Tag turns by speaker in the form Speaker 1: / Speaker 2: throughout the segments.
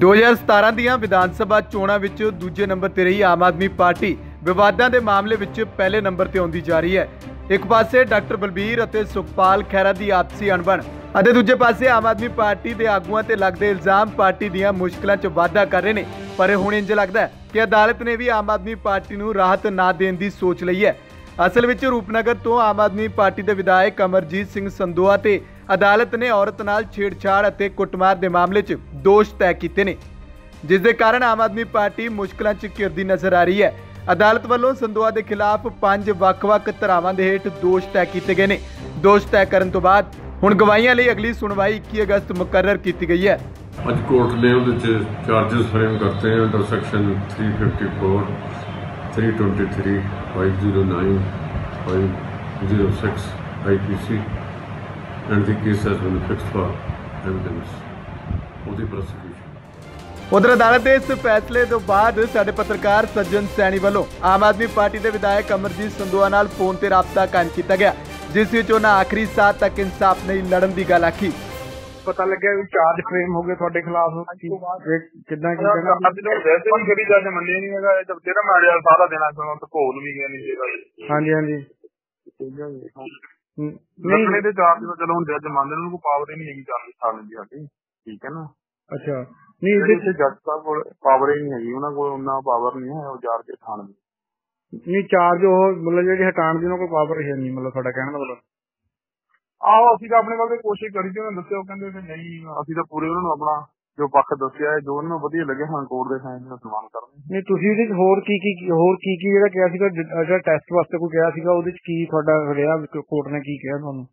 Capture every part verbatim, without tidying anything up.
Speaker 1: दो हज़ार सतारह ਦੀਆਂ ਵਿਧਾਨ ਸਭਾ ਚੋਣਾਂ ਵਿੱਚ ਦੂਜੇ ਨੰਬਰ ਤੇ ਰਹੀ ਆਮ ਆਦਮੀ ਪਾਰਟੀ ਵਿਵਾਦਾਂ ਦੇ ਮਾਮਲੇ ਵਿੱਚ ਪਹਿਲੇ ਨੰਬਰ ਤੇ ਆਉਂਦੀ ਜਾ ਰਹੀ ਹੈ। ਇੱਕ ਪਾਸੇ ਡਾਕਟਰ ਬਲਬੀਰ ਅਤੇ ਸੁਖਪਾਲ ਖਹਿਰਾ ਦੀ ਆਪਸੀ ਅਣਬਣ ਅਤੇ ਦੂਜੇ ਪਾਸੇ ਆਮ ਆਦਮੀ ਪਾਰਟੀ ਦੇ ਆਗੂਆਂ ਤੇ ਲੱਗਦੇ ਇਲਜ਼ਾਮ ਪਾਰਟੀ ਦੀਆਂ ਮੁਸ਼ਕਲਾਂ 'ਚ ਵਾਧਾ ਕਰ ਰਹੇ ਨੇ। ਪਰ ਹੁਣ ਇੰਜ ਲੱਗਦਾ ਹੈ ਕਿ ਅਦਾਲਤ ਨੇ ਵੀ ਆਮ ਆਦਮੀ ਪਾਰਟੀ ਨੂੰ ਰਾਹਤ ਨਾ ਦੇਣ ਦੀ ਸੋਚ ਲਈ ਹੈ। ਅਸਲ ਵਿੱਚ ਰੂਪਨਗਰ ਤੋਂ ਆਮ ਆਦਮੀ ਪਾਰਟੀ ਦੇ ਵਿਧਾਇਕ ਅਮਰਜੀਤ ਸਿੰਘ ਸੰਦੋਆ ਤੇ ਅਦਾਲਤ ਨੇ ਔਰਤ ਨਾਲ ਛੇੜਛਾੜ ਅਤੇ ਕੁੱਟਮਾਰ ਦੇ ਮਾਮਲੇ 'ਚ ਦੋਸ਼ ਤੈਅ ਕੀਤੇ ਨੇ, ਜਿਸ ਦੇ ਕਾਰਨ ਆਮ ਆਦਮੀ ਪਾਰਟੀ ਮੁਸ਼ਕਲਾਂ 'ਚ ਘਿਰਦੀ ਨਜ਼ਰ ਆ ਰਹੀ ਹੈ। ਅਦਾਲਤ ਵੱਲੋਂ ਸੰਦੋਆ ਦੇ ਖਿਲਾਫ ਪੰਜ ਵੱਖ-ਵੱਖ ਧਾਰਾਵਾਂ ਦੇ ਹੇਠ ਦੋਸ਼ ਤੈਅ ਕੀਤੇ ਗਏ ਨੇ। ਦੋਸ਼ ਤੈਅ ਕਰਨ ਤੋਂ ਬਾਅਦ ਹੁਣ ਗਵਾਹੀਆਂ ਲਈ ਅਗਲੀ ਸੁਣਵਾਈ ਇੱਕੀ ਅਗਸਤ ਮੁਕਰਰ ਕੀਤੀ ਗਈ ਹੈ।
Speaker 2: ਅੱਜ ਕੋਰਟ ने ਉਹਦੇ ਚਾਰजेस फ्रेम करते हैं अंडर सेक्शन तीन सौ चौवन, तीन सौ तेईस, पाँच सौ नौ, पाँच सौ छह I P C and the case has been fixed for evidence ਉਹਦੀ ਪ੍ਰੋਸੀਕਿਊਸ਼ਨ।
Speaker 1: उधर अदालत के इस फैसले तो बाद साडे पत्रकार सज्जन सैनी वालों आम आदमी पार्टी के विधायक अमरजीत संदोआ नाल फोन ते राबता कायम किया गया, जिस विच उन्हां आखिरी साह तक इंसाफ नहीं लड़न की गल आखी।
Speaker 3: पता लग्या चार्ज फ्रेम हो गए ਤੁਹਾਡੇ ਖਿਲਾਫ ਕਿਦਾਂ ਕੀ ਕਹਿਣਾ
Speaker 4: ਅੱਜ ਤੋਂ ਵੈਸੇ ਵੀ ਕਰੀ ਜੱਜ ਮੰਨੇ ਨਹੀਂ ਹੈਗਾ। ਜਦ ਜਿਹੜਾ ਮਾਰਿਆ ਸਾਰਾ ਦੇਣਾ ਚਾਹੁੰਦਾ ਤਾਂ ਕੋਲ ਵੀ ਗਿਆ ਨਹੀਂ ਸੀਗਾ।
Speaker 3: ਹਾਂਜੀ ਹਾਂਜੀ
Speaker 4: ਨਹੀਂ ਇਹਦੇ ਚਾਰਜ ਤਾਂ ਚਲੋ ਹੁਣ ਜੱਜ ਮੰਨਦੇ ਨੇ, ਕੋਈ ਪਾਵਰ ਹੀ ਨਹੀਂ ਹੈਗੀ ਚਾਰਜ ਸਾਰਨ ਦੀ ਸਾਡੀ, ਠੀਕ ਹੈ ਨਾ।
Speaker 3: ਅੱਛਾ ਨਹੀਂ ਇਹਦੇ
Speaker 4: ਜੱਜ ਸਾਹਿਬ ਕੋਲ ਪਾਵਰ ਹੀ ਨਹੀਂ ਹੈਗੀ, ਉਹਨਾਂ ਕੋਲ ਉਹਨਾਂ ਪਾਵਰ ਨਹੀਂ ਹੈ ਉਹ ਚਾਰਜ ਖਾਣ ਦੀ।
Speaker 3: ਨਹੀਂ ਚਾਰਜ ਉਹ ਮਤਲਬ ਜਿਹੜੀ ਹਟਾਉਣ ਦੀ ਉਹਨਾਂ ਕੋਲ ਪਾਵਰ ਹੈ ਨਹੀਂ, ਮਤਲਬ ਤੁਹਾਡਾ ਕਹਿਣ ਦਾ ਮਤਲਬ।
Speaker 4: ਆਹੋ ਅਸੀਂ ਤਾਂ ਆਪਣੇ ਵੱਲ ਤੇ ਕੋਸ਼ਿਸ਼ ਕਰੀ ਸੀ, ਉਹਨਾਂ ਦੱਸਿਆ ਉਹ ਕਹਿੰਦੇ ਕਿ ਨਹੀਂ ਅਸੀਂ ਤਾਂ ਪੂਰੇ ਉਹਨਾਂ ਨੂੰ ਆਪਣਾ ਜੋ ਪੱਖ ਦੱਸਿਆ ਜੋ ਉਹਨਾਂ ਨੂੰ ਵਧੀਆ ਲੱਗਿਆ ਹਾਂ ਕੋਰਟ ਦੇ ਫੈਸਲੇ ਦਾ ਸਨਮਾਨ ਕਰਦੇ।
Speaker 3: ਨਹੀਂ ਤੁਸੀਂ ਇਹਦੇ ਚ ਹੋਰ ਕੀ ਕੀ ਹੋਰ ਕੀ ਕੀ ਜਿਹੜਾ ਕਿਹਾ ਸੀਗਾ, ਜਿਹੜਾ ਟੈਸਟ ਵਾਸਤੇ ਕੋਈ ਕਿਹਾ ਸੀਗਾ ਉਹਦੇ ਚ ਕੀ ਤੁਹਾਡਾ ਰਿਹਾ, ਕੋਰਟ ਨੇ ਕੀ ਕਿਹਾ ਤੁਹਾਨੂੰ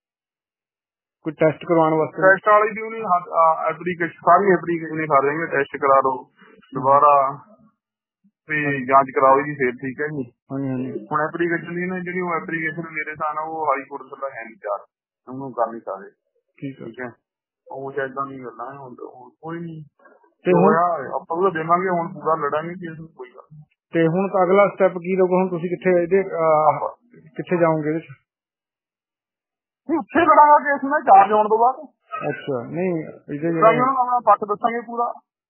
Speaker 3: ਕੋਈ ਟੈਸਟ ਕਰਵਾਉਣ ਵਾਸਤੇ?
Speaker 4: ਟੈਸਟ ਵਾਲੀ ਦੀ ਉਹਨੇ ਐਪਲੀਕੇਸ਼ਨ ਸਾਰੀ ਐਪਲੀਕੇਸ਼ਨ ਕਰ ਰਹੇ ਟੈਸਟ ਕਰਾ ਲਓ ਦੁਬਾਰਾ ਤੇ ਜਾਂਚ ਕਰਾਓ ਜੀ ਫਿਰ ਠੀਕ ਹੈ ਜੀ। ਹੁਣ ਐਪਲੀਕੇਸ਼ਨ ਦੀ ਨਾ ਜਿਹੜੀ ਉਹ ਐਪਲੀਕੇਸ਼ਨ ਮੇਰੇ ਹਿਸਾਬ ਨਾਲ ਉਹ ਹਾਈ ਕੋਰਟ ਦਾ ਹੈ ਨਹੀਂ, ਚਾਰ ਉਹਨੂੰ ਕਰ ਨਹੀਂ ਸਕਦੇ। ਠੀਕ ਹੈ ਉਹ ਏਦਾਂ ਦੀ ਗੱਲਾਂ ਹੁਣ ਕੋਈ ਨਹੀਂ ਤੇ ਹੁਣ ਆਪਾਂ ਉਹ ਦੇਵਾਂਗੇ, ਹੁਣ ਪੂਰਾ ਲੜਾਂਗੇ ਕਿ ਇਸ ਕੋਈ ਗੱਲ।
Speaker 3: ਤੇ ਹੁਣ ਅਗਲਾ ਸਟੈਪ ਕੀ ਰਹੂਗਾ? ਹੁਣ ਤੁਸੀਂ ਕਿੱਥੇ ਇਹਦੇ ਕਿੱਥੇ ਜਾਓਗੇ ਇਹਦੇ ਚ?
Speaker 4: ਉੱਥੇ ਲੜਾਂਗਾ ਕੇਸ ਮੈਂ ਚਾਰਜ ਹੋਣ ਤੋਂ ਬਾਅਦ।
Speaker 3: ਅੱਛਾ ਨਹੀਂ ਇਹਦੇ
Speaker 4: ਆਪਣਾ ਪੱਖ ਦੱਸਾਂਗੇ ਪੂਰਾ।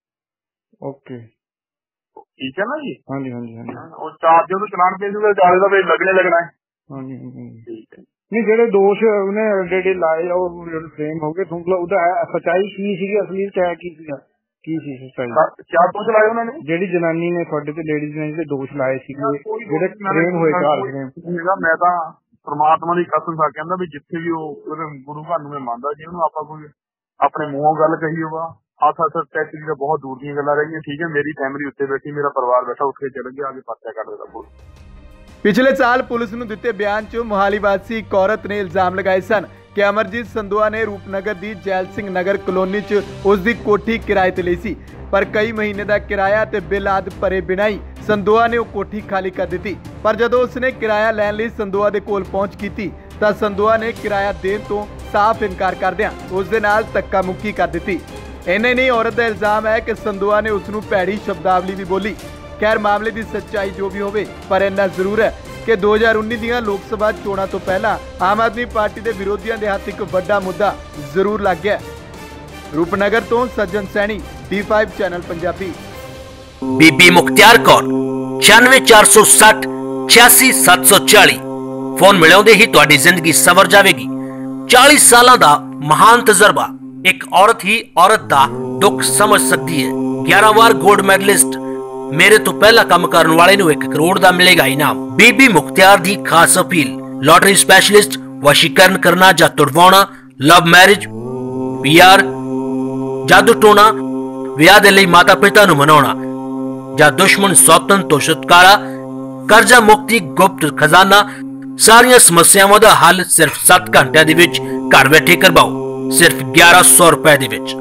Speaker 3: ਓਕੇ
Speaker 4: ਠੀਕ ਹੈ ਨਾ ਜੀ।
Speaker 3: ਹਾਂਜੀ ਹਾਂਜੀ ਹਾਂਜੀ
Speaker 4: ਉਹ ਚਾਰਜ ਉਹਨੂੰ ਚਲਾਨ ਭੇਜੂਗਾ, ਚਾਰਜ ਦਾ ਵੇਟ ਲੱਗਣੇ ਲੱਗਣਾ ਹੈ।
Speaker 3: ਹਾਂਜੀ ਹਾਂਜੀ
Speaker 4: ਠੀਕ ਹੈ।
Speaker 3: ਨਹੀਂ ਜਿਹੜੇ ਦੋਸ਼ ਉਹਨੇ ਜਿਹੜੇ ਲਾਏ ਉਹ ਫਰੇਮ ਹੋ ਗਏ, ਤੁਹਾਨੂੰ ਉਹਦਾ ਸੱਚਾਈ ਕੀ ਸੀਗੀ, ਅਸਲੀ ਚ ਕੀ ਸੀਗਾ, ਕੀ ਸੀ ਸੱਚਾਈ?
Speaker 4: ਕਿਆ ਦੋਸ਼ ਲਾਏ ਉਹਨਾਂ ਨੇ?
Speaker 3: ਜਿਹੜੀ ਜਨਾਨੀ ਨੇ ਤੁਹਾਡੇ ਤੇ ਲੇਡੀਜ਼ ਨੇ ਜਿਹੜੇ ਦੋਸ਼ ਲਾਏ ਸੀਗੇ ਜਿਹੜੇ ਫਰੇਮ ਹੋਏ ਚਾਰ ਫਰੇਮ।
Speaker 4: ਮੈਂ ਤਾਂ ਪਰਮਾਤਮਾ ਦੀ ਕਸਮ ਖਾ ਕਹਿੰਦਾ ਵੀ ਜਿੱਥੇ ਵੀ ਉਹ ਗੁਰੂ ਘਰ ਨੂੰ ਮੈਂ ਮੰਨਦਾ ਜੀ, ਉਹਨੂੰ ਆਪਾਂ ਕੋਈ ਆਪਣੇ ਮੂੰਹੋਂ ਗੱਲ ਕਹੀ ਹੋਵਾ ਹੱਥ ਹੱਥ ਟੈਕਸ ਦੀ ਤਾਂ ਬਹੁਤ ਦੂਰ ਦੀਆਂ ਗੱਲਾਂ ਰਹੀਆਂ। ਠੀਕ ਹੈ ਮੇਰੀ ਫੈਮਿਲੀ ਉੱਤੇ ਬੈਠੀ, ਮੇਰਾ ਪਰਿਵਾਰ ਬੈਠਾ, ਉੱਠ ਕੇ ਚਲੇ ਗਿਆ ਆਗੇ ਪਰਚਾ ਕੱਢ ਦੇਦਾ ਪੁਲਿਸ।
Speaker 1: पिछले साल पुलिस ਨੂੰ ਦਿੱਤੇ ਬਿਆਨ 'ਚ ਮੁਹਾਲੀ ਵਾਸੀ ਇੱਕ ਔਰਤ ਨੇ ਇਲਜ਼ਾਮ ਲਗਾਏ ਸਨ ਕਿ ਅਮਰਜੀਤ ਸੰਦੋਆ ਨੇ ਰੂਪਨਗਰ ਦੀ ਜੈਲ ਸਿੰਘ ਨਗਰ ਕਲੋਨੀ 'ਚ ਉਸ ਦੀ ਕੋਠੀ ਕਿਰਾਏ ਤੇ ਲਈ ਸੀ, ਪਰ ਕਈ ਮਹੀਨੇ ਦਾ ਕਿਰਾਇਆ ਤੇ ਬਿੱਲ ਆਦ ਭਰੇ ਬਿਨਾਂ ਹੀ ਸੰਦੋਆ ਨੇ ਉਹ ਕੋਠੀ ਖਾਲੀ ਕਰ ਦਿੱਤੀ। ਪਰ ਜਦੋਂ ਉਸਨੇ ਕਿਰਾਇਆ ਲੈਣ ਲਈ ਸੰਦੋਆ ਦੇ ਕੋਲ ਪਹੁੰਚ ਕੀਤੀ ਤਾਂ ਸੰਦੋਆ ਨੇ ਕਿਰਾਇਆ ਦੇਣ ਤੋਂ ਸਾਫ਼ ਇਨਕਾਰ ਕਰਦਿਆਂ ਉਸ ਦੇ ਨਾਲ ਧੱਕਾ ਮੁੱਕੀ ਕਰ ਦਿੱਤੀ। ਇੰਨੇ ਨਹੀਂ, ਔਰਤ ਦਾ ਇਲਜ਼ਾਮ ਹੈ ਕਿ ਸੰਦੋਆ ਨੇ ਉਸ ਨੂੰ ਭੈੜੀ ਸ਼ਬਦਾਵਲੀ ਵੀ ਬੋਲੀ। खैर मामले की सच्चाई जो भी होवे, पर इन्ना जरूर है कि दो हज़ार उन्नीस ਦੀਆਂ लोक सभा चोणां तो पहला आम आदमी पार्टी के विरोधियों के हथ एक बड़ा मुद्दा जरूर लग गया। रूपनगर तो Sajjan Saini, D five channel Punjabi.
Speaker 5: Bibi Mukhtiar Kaur छियानवे चार सौ सठ छियासी सत्त सौ चाली फोन मिलाउंदे ही तुहाडी जिंदगी सवर जाएगी। चालीस साल का महान तजर्बा, एक औरत ही औरत का दुख समझ सकती है। ग्यारह बार गोल्ड मैडलिस्ट, मेरे तो पहला काम करने वाले नूं एक करोड़ दा मिलेगा इनाम। बीबी मुख्तियार दी खास अपील, लॉटरी स्पेशलिस्ट, वशीकरण करना जां तुड़वाउणा, लव मैरिज, पीआर, जादू टोना, विआह दे लई माता पिता नूं मनाउणा जां दुश्मन सौतन तो छुटकारा, कर्जा मुक्ति, गुप्त खजाना, सारियां समस्यावां दा हल सिर्फ सत्त घंटिਆਂ ਦੇ ਵਿੱਚ ਘਰ ਬੈਠੇ ਕਰਵਾਓ, सिर्फ ग्यारह सौ रुपए ਦੇ ਵਿੱਚ।